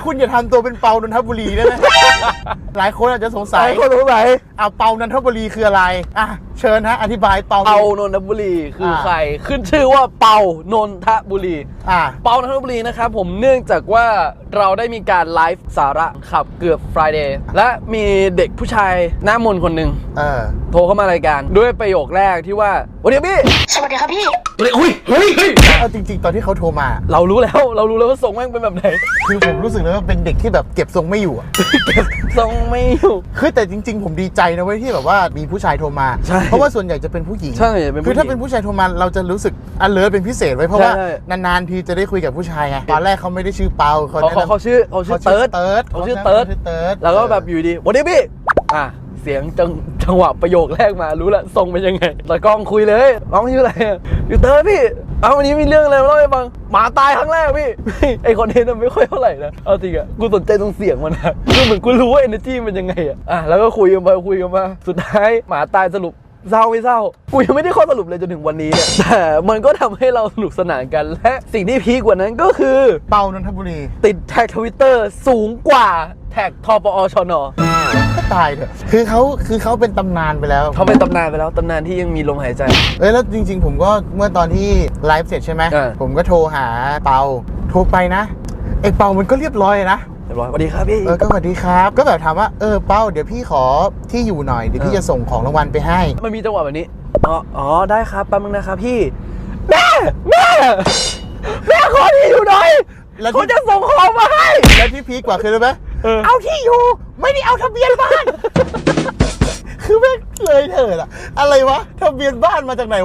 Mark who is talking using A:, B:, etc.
A: คุณอย่าทำตัวเป็นเปานนทบุรีได้ไหม หลายคนอาจจะสงสัย เปานนทบุรีคืออะไรอ่ะเชิญฮะอธิบายเปา
B: เปานนทบุรีคือใครขึ้นชื่อว่าเปานนทบุรีเปานนทบุรีนะครับผมเนื่องจากว่าเราได้มีการไลฟ์สาระขับเกือบ Friday และมีเด็กผู้ชายหน้ามนต์คนหนึ่งโทรเข้ามารายการด้วยประโยคแรกที่ว่าสวัสดีพี่
C: สวัสดีครับพี่
B: เฮ้ย
A: เอาจริงๆตอนที่เขาโทรมา
B: เรารู้แล้วว่าทรงแม่งเป็นแบบไหน
A: คือผมรู้สึกเลยว่าเป็นเด็กที่แบบเก็บทรงไม่อยู่อะ
B: ทรงไม่อยู่
A: คือแต่จริงๆผมดีใจนะเว้ยที่แบบว่ามีผู้ชายโทรมาเพราะว่าส่วนใหญ่จะเป็นผู้หญิงคือถ้าเป็นผู้ชายโทรมาเราจะรู้สึกalertเป็นพิเศษไว้เพราะว่านานๆทีจะได้คุยกับผู้ชายไงตอนแรกเขาไม่ได้ชื่อเปา
B: เขาชื่อเติร์ดแล้วก็แบบอยู่ดีสวัสดีพี่เสียงจังหวะประโยคแรกมารู้ละทรงเป็นยังไงตากล้องคุยเลยน้องชื่ออะไรอยู่เติร์ดพี่วันนี้มีเรื่องอะไรมาเล่าให้ฟังหมาตายครั้งแรกพี่ไอคอนเทนต์มันไม่ค่อยเท่าไหร่นะเอาจริงอะกูสนใจตรงเสียงมันนะคือเหมือนกูรู้ว่า energy มันยังไงอะแล้วก็คุยกันมาสุดท้ายหมาตายสรุปเศร้าไม่เศร้ากูยังไม่ได้ข้อสรุปเลยจนถึงวันนี้เนี่ยแต่มันก็ทำให้เราสนุกสนานกันและสิ่งที่พีคกว่านั้นก็คือ
A: เปานนทบุรี
B: ติดแท็ก Twitter สูงกว่าแท็กทปอชน.
A: ก็ตายเถอะคือเขาเป็นตำนานไปแล้ว
B: ตำนานที่ยังมีลมหายใจ
A: แล้วจริงๆผมก็เมื่อตอนที่ไลฟ์เสร็จใช่ไหมผมก็โทรหาเปาโทรไปนะไอเปามันก็เรียบร้อยนะ
B: สวัสดีครับพี่
A: ก็สวัสดีครับก็แบบถามว่าเป้าเดี๋ยวพี่ขอที่อยู่หน่อยเดี๋ยวพี่จะส่งของรางวัลไปให้
B: มันมีจังหวะแบบนี้อ๋อได้ครับแป๊บนึงนะครับพี่แม่ขอที่อยู่หน่อยแล้วเขาจะส่งของมาให้
A: แล้วที่พีคกว่าคืออะไรไหมเอาที่อยู่ไม่ได้เอาทะเบียนบ้าน คือแม่งเลยเถิดอะอะไรวะทะเบียนบ้านมาจากไหน